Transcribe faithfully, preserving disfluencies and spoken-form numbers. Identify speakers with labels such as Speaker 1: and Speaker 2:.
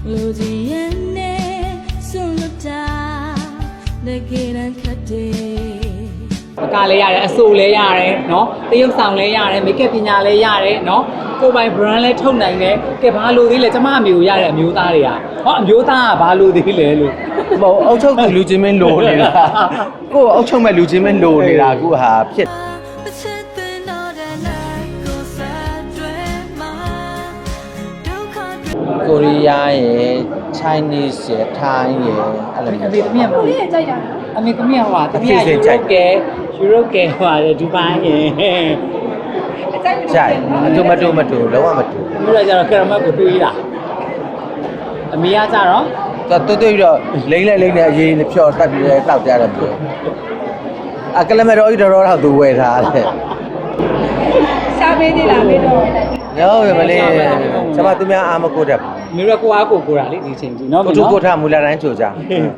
Speaker 1: ပကားလေးရတယ်အဆိုလေးရတယ်နော်တရုပ်ဆောင်လေးရတယ်မိတ်ကပ်ပညာလေးရတယ်နော်ကိုယ်ပိုင် brand လေးထုတ်နိုင်တယ်ကဲဘာလို့သေးလဲကျမအမျိုးရတဲ့အမျိုးသားတွေကဟောအမျိုးသားကဘာလို့သေးလဲလို့
Speaker 2: မဟုတ်အောက်ချုပ်သူလူချင်းမင်းလိုနေတာကိုယ်အောက်ချုပ်မဲ့လူချင်းမင်းလိုနေတာအခုဟာဖြစ်ကိုရီးယားရယ် Chinese ရယ် Thai ရယ်အဲ့လို
Speaker 1: အမေသမီးကမဟုတ်ဘူး
Speaker 3: ကြိုက်တာ
Speaker 1: အမေသမီးကဟိုသမီးကယူရိုကဲယူရိုကဲဟိုဒူဘိုင်းရယ်
Speaker 3: အကြိုက်
Speaker 2: ကြိုက်အတူမတူမတူလုံးဝမတူ
Speaker 1: ပြီးတော့ကျတော့ကရမတ်ကိုတွေးတာအမေကကျတော့
Speaker 2: သူတွေ့ပြီးတော့လိမ့်လိုက်လိမ့်နေအရေးနဲ့ဖြော်တက်ပြီးတောက်ကြတယ်ပြောအကလမတော်ကြီးတော်တော့သူဝယ်ထားတယ်
Speaker 3: ရှားပေးသေးလားမေတော့
Speaker 2: ရောမလေးကျမသူများအာမကိုတတ်
Speaker 1: မေရကိုအားကိုကိုတာလေဒီချိန်ကြီးနော်
Speaker 2: ကိုထုကိုထမူလာတိုင်းချိုကြ